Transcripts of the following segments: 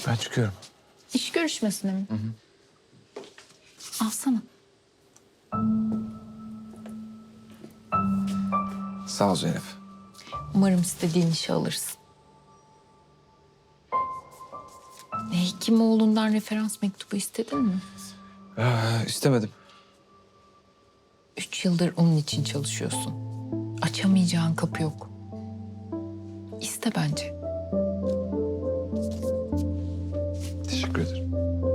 Ben çıkıyorum. İş görüşmesine mi? Alsana. Sağ ol Zeynep. Umarım istediğin işi alırsın. Hekimoğlu'ndan referans mektubu istedin mi? İstemedim. 3 yıldır onun için çalışıyorsun. Açamayacağın kapı yok. İste bence. Teşekkür ederim.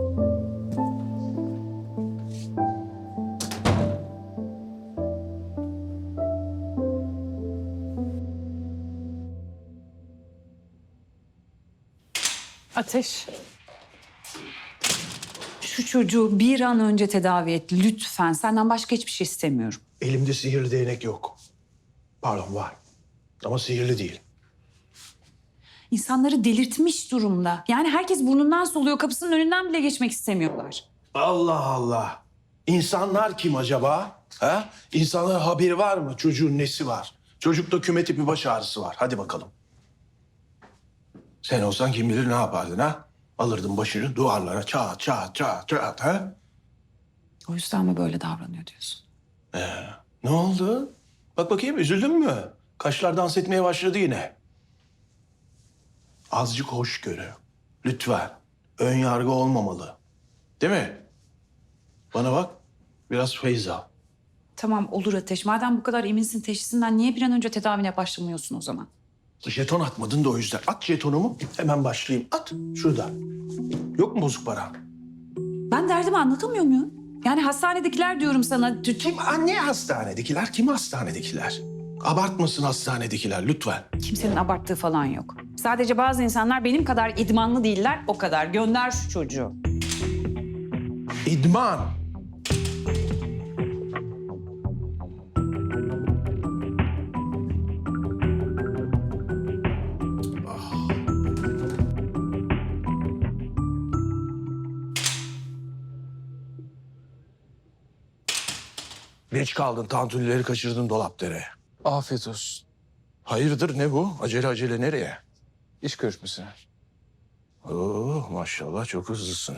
Ateş. Şu çocuğu bir an önce tedavi et lütfen. Senden başka hiçbir şey istemiyorum. Elimde sihirli değnek yok. Pardon var. Ama sihirli değil. İnsanları delirtmiş durumda. Yani herkes burnundan soluyor, kapısının önünden bile geçmek istemiyorlar. Allah Allah. İnsanlar kim acaba? Ha? İnsanların haberi var mı? Çocuğun nesi var? Çocukta küme tipi baş ağrısı var. Hadi bakalım. Sen olsan kim bilir ne yapardın ha? Alırdın başını duvarlara çat çat çat çat ha? O yüzden mi böyle davranıyor diyorsun? Ne oldu? Bak bakayım üzüldün mü? Kaşlar dans etmeye başladı yine. Azıcık hoşgörü. Lütfen. Ön yargı olmamalı. Değil mi? Bana bak. Biraz feyz al. Tamam olur Ateş. Madem bu kadar eminsin teşhisinden niye bir an önce tedavine başlamıyorsun o zaman? Jeton atmadın da o yüzden. At jetonumu hemen başlayayım. At şurada. Yok mu bozuk para? Ben derdimi anlatamıyor muyum? Yani hastanedekiler diyorum sana. Kim? Anne hastanedekiler. Kim hastanedekiler? Abartmasın hastanedekiler lütfen. Kimsenin abarttığı falan yok. Sadece bazı insanlar benim kadar idmanlı değiller, o kadar. Gönder şu çocuğu. İdman. Geç kaldın. Tantunileri kaçırdın dolapdere. Afiyet olsun. Hayırdır ne bu? Acele acele nereye? İş görüşmesi. Oo, maşallah çok hızlısın.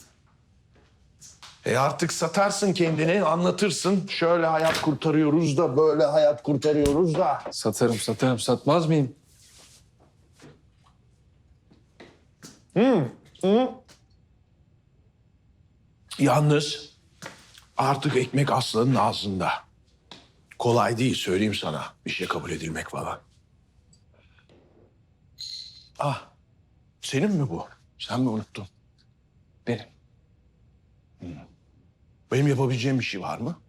Artık satarsın kendini, anlatırsın. Şöyle hayat kurtarıyoruz da, böyle hayat kurtarıyoruz da. Satarım. Satmaz mıyım? Yalnız artık ekmek aslanın ağzında. Kolay değil söyleyeyim sana. Bir şey kabul edilmek falan. Ah, senin mi bu? Sen mi unuttun? Benim. Benim yapabileceğim bir şey var mı?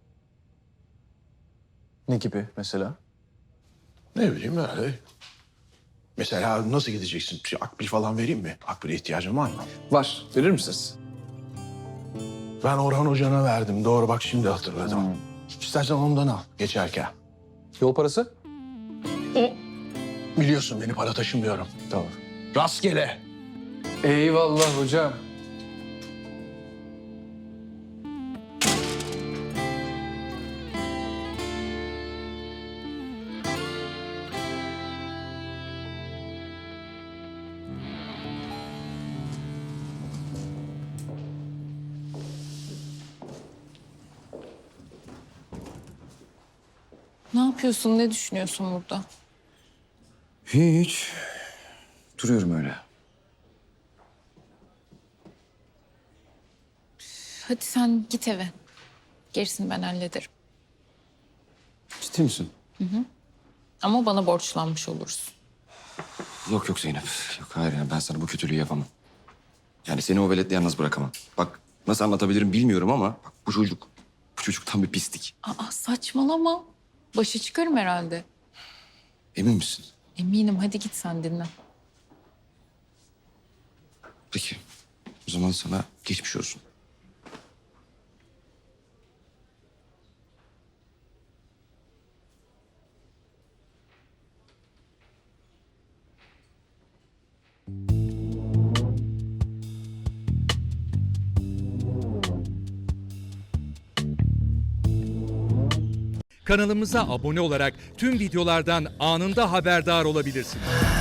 Ne gibi mesela? Ne bileyim öyle. Mesela nasıl gideceksin? Bir akbil falan vereyim mi? Akbil'e ihtiyacın var mı? Var. Verir misiniz? Ben Orhan Hoca'na verdim. Doğru bak şimdi hatırladım. İstersen ondan al geçerken. Yol parası? Biliyorsun beni para taşımıyorum. Tamam. Rastgele. Eyvallah hocam. Ne yapıyorsun, ne düşünüyorsun burada? Hiç. Duruyorum öyle. Hadi sen git eve. Gerisini ben hallederim. Ciddi misin? Ama bana borçlanmış olursun. Yok Zeynep. Yok hayır yani ben sana bu kötülüğü yapamam. Yani seni o veletle yalnız bırakamam. Bak nasıl anlatabilirim bilmiyorum ama bak bu çocuk tam bir pislik. Aa saçmalama. Başa çıkarım herhalde. Emin misin? Eminim, hadi git sen dinle. Peki. O zaman sana geçmiş olsun. Kanalımıza abone olarak tüm videolardan anında haberdar olabilirsiniz.